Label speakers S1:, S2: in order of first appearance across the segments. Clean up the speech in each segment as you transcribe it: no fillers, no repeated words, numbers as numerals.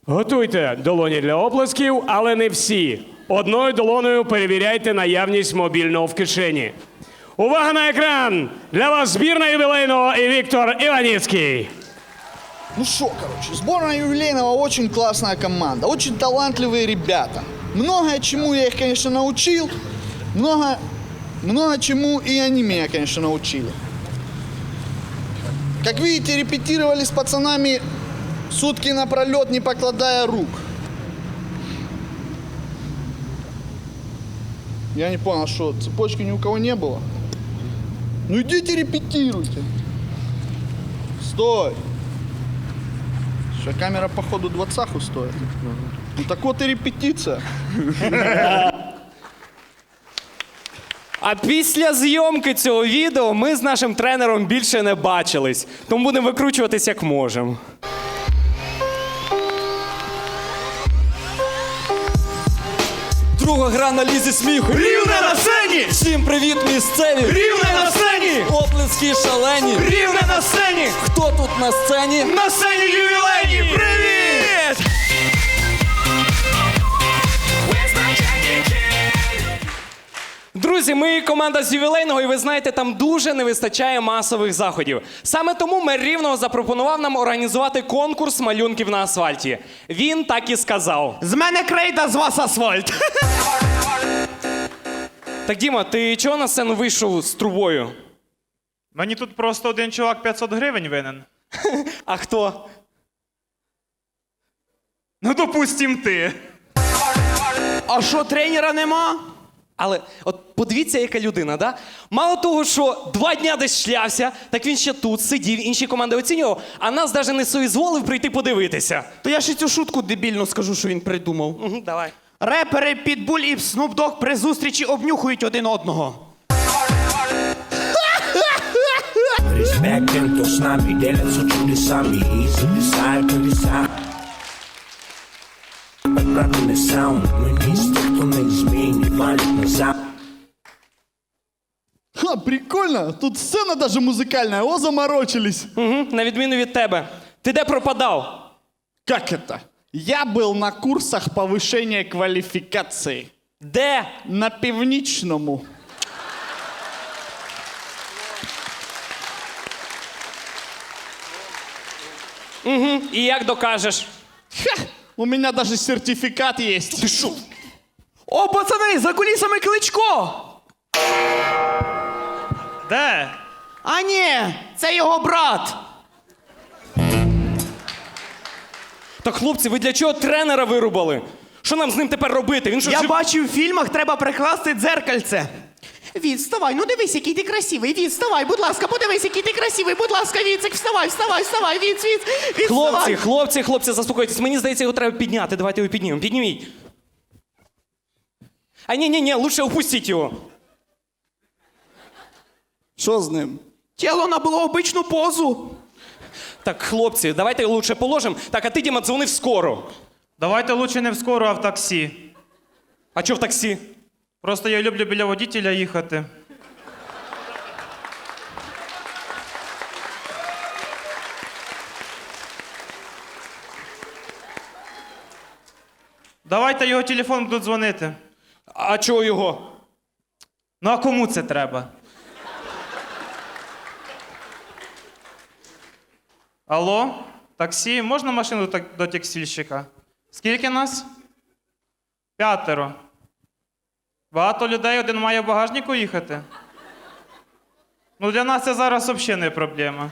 S1: Готуйте долоні для оплесків, але не всі. Одною долоною перевіряйте наявність мобільного в кишені. Увага на екран! Для вас збірна ювілейного і Віктор Іваніцький.
S2: Ну что, короче, сборная юбилейного очень классная команда, очень талантливые ребята. Многое чему я их, конечно, научил, много чему и они меня, конечно, научили. Как видите, репетировали с пацанами сутки напролет, не покладая рук. Я не понял, что цепочки ни у кого не было? Ну идите репетируйте. Стой. Что, камера, походу, 20-ху стоит. Ну так вот и репетиция.
S3: А після зйомки цього відео ми з нашим тренером більше не бачились. Тому будемо викручуватись як можемо.
S4: Друга гра на лізі сміху.
S5: Рівне на сцені!
S4: Всім привіт, місцеві!
S5: Рівне на сцені!
S4: Оплески шалені!
S5: Рівне на сцені!
S4: Хто тут на сцені?
S5: На сцені ювілейні! Привіт!
S3: Друзі, ми команда з ювілейного, і ви знаєте, там дуже не вистачає масових заходів. Саме тому мер Рівного запропонував нам організувати конкурс малюнків на асфальті. Він так і сказав.
S5: З мене крейда, з вас асфальт!
S3: Так, Діма, ти чого на сцену вийшов з трубою?
S6: Мені тут просто один чувак 500 гривень винен.
S3: А хто?
S6: Ну, допустим, ти.
S5: А що, тренера нема?
S3: Але от подивіться, яка людина, да? Мало того, що 2 дня десь шлявся, так він ще тут сидів, інші команди оцінював, а нас навіть не соізволив прийти подивитися.
S5: То я ще цю шутку дебільну скажу, що він придумав.
S3: Давай.
S5: Репери Pitbull і Snoop Dogg при зустрічі обнюхують один одного.
S7: Respectem to s nami, delat su čuli sami i zapisaj povisaj. Правильный саунд, мы не из тех, кто на измене валит назад.
S2: Ха, прикольно, тут сцена даже музыкальная, о, заморочились.
S3: Угу, на відміну від тебе. Ти де пропадав?
S2: Как это? Я был на курсах повышения квалификации.
S3: Де?
S2: На Північному.
S3: І як докажеш?
S2: Ха, у меня даже сертификат есть. Ты шо?
S5: О, пацани, за кулісами Кличко!
S6: Де?
S5: А ні, це його брат.
S3: Так, хлопці, ви для чого тренера вирубали? Що нам з ним тепер робити? Він що,
S5: Я
S3: жив-
S5: бачив в фільмах, треба прикласти дзеркальце. Від, вставай, ну дивись, який ти красивий. Від, вставай, будь ласка, подивись, який ти красивий. Будь ласка, Віцик, вставай, вставай, вставай, Від,
S3: Хлопці, заспокойтесь. Мені здається, його треба підняти. Давайте його піднімемо. Підніміть. А ні, лучше опустіть його.
S2: Що з ним?
S5: Тіло набуло обичну позу.
S3: Так, хлопці, давайте його лучше положимо. Так, а ти, Діма, дзвони в скору.
S6: Давайте лучше не в скору, а в таксі.
S3: А чого в таксі?
S6: Просто я люблю біля водителя їхати. Давайте його телефон будуть дзвонити.
S3: А чого його?
S6: Ну а кому це треба? Алло? Таксі? Можна машину до текстильщика? Скільки нас? 5. Багато людей, один має в багажнику їхати? Ну для нас це зараз взагалі не проблема.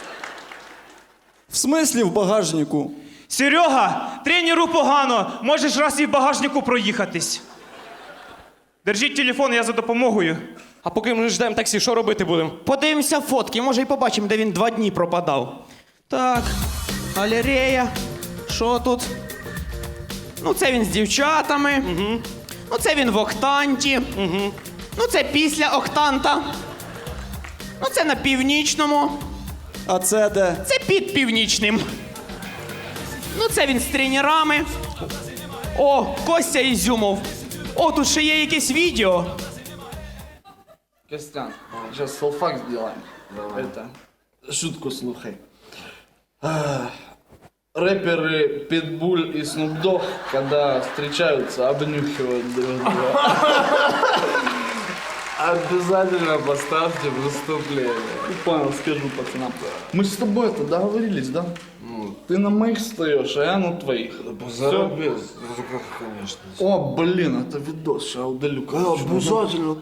S4: В смислі в багажнику?
S6: Серега, тренеру погано, можеш раз і в багажнику проїхатись. Держіть телефон, я за допомогою.
S3: А поки ми ждемо таксі, що робити будемо?
S5: Подивимося фотки, може і побачимо, де він 2 дні пропадав. Так, галерея. Що тут? Ну, це він з дівчатами. Угу. Ну, це він в октанті. Угу. Ну, це після октанта. Ну, це на Північному.
S4: А це де?
S5: Це під Північним. Ну, це він з тренерами. О, Костя Ізюмов. О, тут ще є якесь відео.
S2: Костян, сейчас селфак сделаем. Это, шутку слухай.
S8: рэперы Питбуль и Snoop Dogg, когда встречаются, обнюхивают друг друга. Обязательно поставьте выступление.
S2: Понял, скажу пацанам. Мы с тобой это договорились, да?
S8: Ну, ты на моих встаешь, а я на твоих.
S7: Заробез. Конечно.
S2: О, блин, это видос, сейчас удалю.
S8: Обязательно.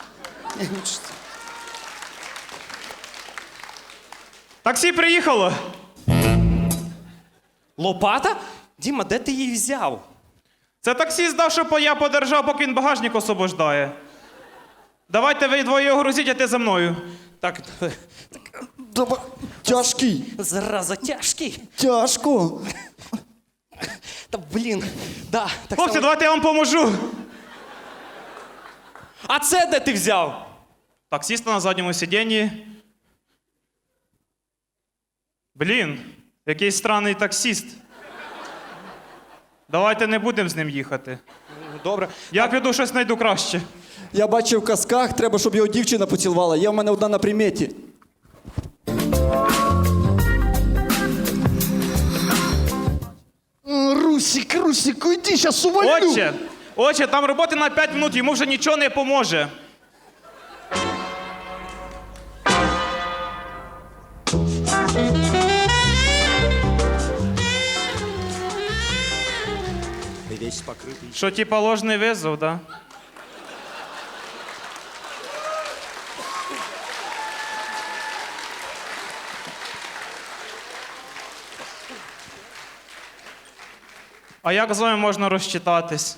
S6: Таксі приїхало.
S3: Лопата? Діма, де ти її взяв?
S6: Це таксі здав, щоб я подержав, поки він багажник освобождає. Давайте ви двоє його грузіть, а ти за мною.
S3: Так,
S4: Давай. Тяжкий.
S3: зараза, тяжкий.
S4: Тяжко.
S3: Та блін, да, так
S6: Хлопці,
S3: само.
S6: давайте я вам поможу.
S3: А це де ти взяв?
S6: Таксіста на задньому сидінні. Блін, якийсь странний таксіст. Давайте не будемо з ним їхати.
S3: Добре.
S6: Я піду щось знайду краще.
S4: Я бачив в казках, треба, щоб його дівчина поцілувала. Є в мене одна на приметі.
S2: Русик, уйди, сейчас уволю.
S6: Отче, там роботи на 5 минут, йому вже нічого не поможе. Що, типа ложний визов, да? А як з вами можна розчитатись?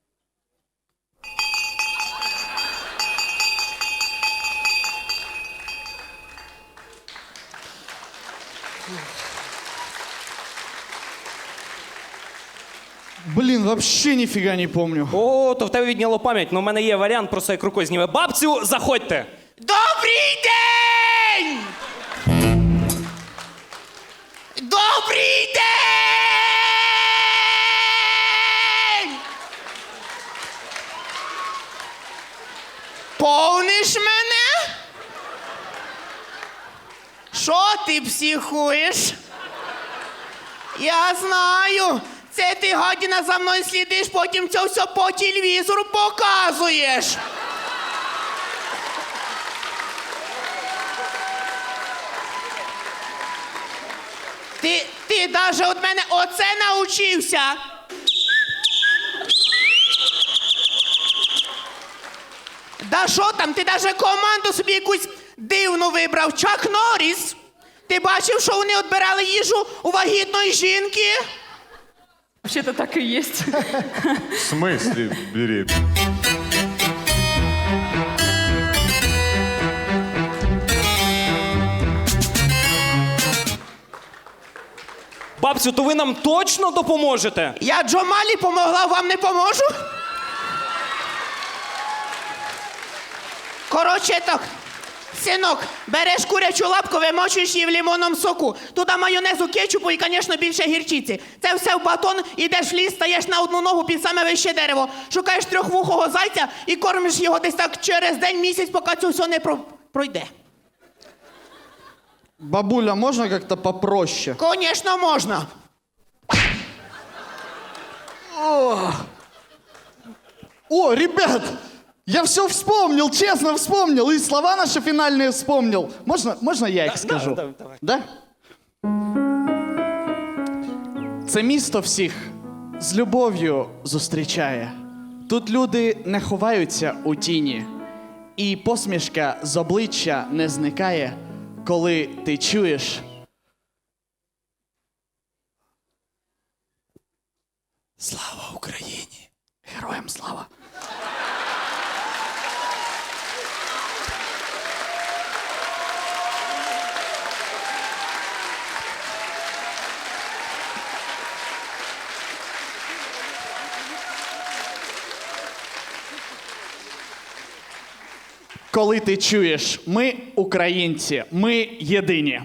S2: Блин, вообще нифига не помню.
S3: О, то в тебе відняло пам'ять, але в мене є варіант, просто як рукою зніме. Бабцю, заходьте!
S5: Добрий день! Добрий день! Повниш мене? Що ти психуєш? Я знаю. Це ти, гадіна, за мною слідиш, потім це все по телевізору показуєш. Ти даже від мене оце навчився. Да що там, ти даже команду собі якусь дивну вибрав. Чак Норріс. Ти бачив, що вони відбирали їжу у вагітної жінки?
S9: Вообще-то так и есть.
S10: В смысле беременна?
S3: Бабцю, то ви нам точно допоможете?
S5: Я Джомалі помогла, вам не поможу? Коротше так, синок, береш курячу лапку, вимочуєш її в лимонному соку. Туди майонезу, кетчупу і, звісно, більше гірчиці. Це все в батон, ідеш в ліс, стаєш на одну ногу під саме вище дерево, шукаєш трьохвухого зайця і кормиш його десь так через день, місяць, поки це все не пройде.
S2: Бабуля, можно как-то попроще?
S5: Звісно, можна.
S2: О, ребят, я все вспомнил, честно вспомнил, и слова наши финальные вспомнил. Можно я их скажу?
S3: давай.
S2: Да? Це місто всіх з любов'ю зустрічає. Тут люди не ховаються у тіні, і посмішка з обличчя не зникає, коли ти чуєш. Слава Україні! Героям слава! Коли ти чуєш, ми українці, ми єдині.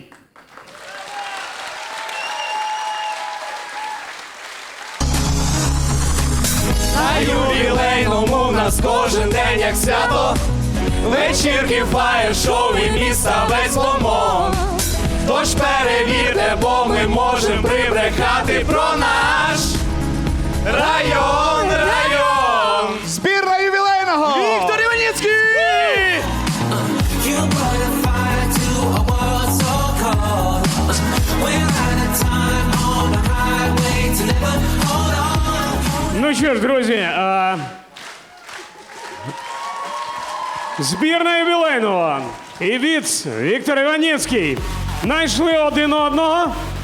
S3: На ювілейному в нас кожен день як свято. Вечірки, фаєр-шоу і міста весь ломон. Тож перевірте, бо ми можемо прибрехати про наш район.
S2: Збірна ювілейного!
S3: Віктор Іваніцький!
S1: Ну що ж, друзі, збірна ювілейного і Віц Віктор Іваніцький знайшли один одного.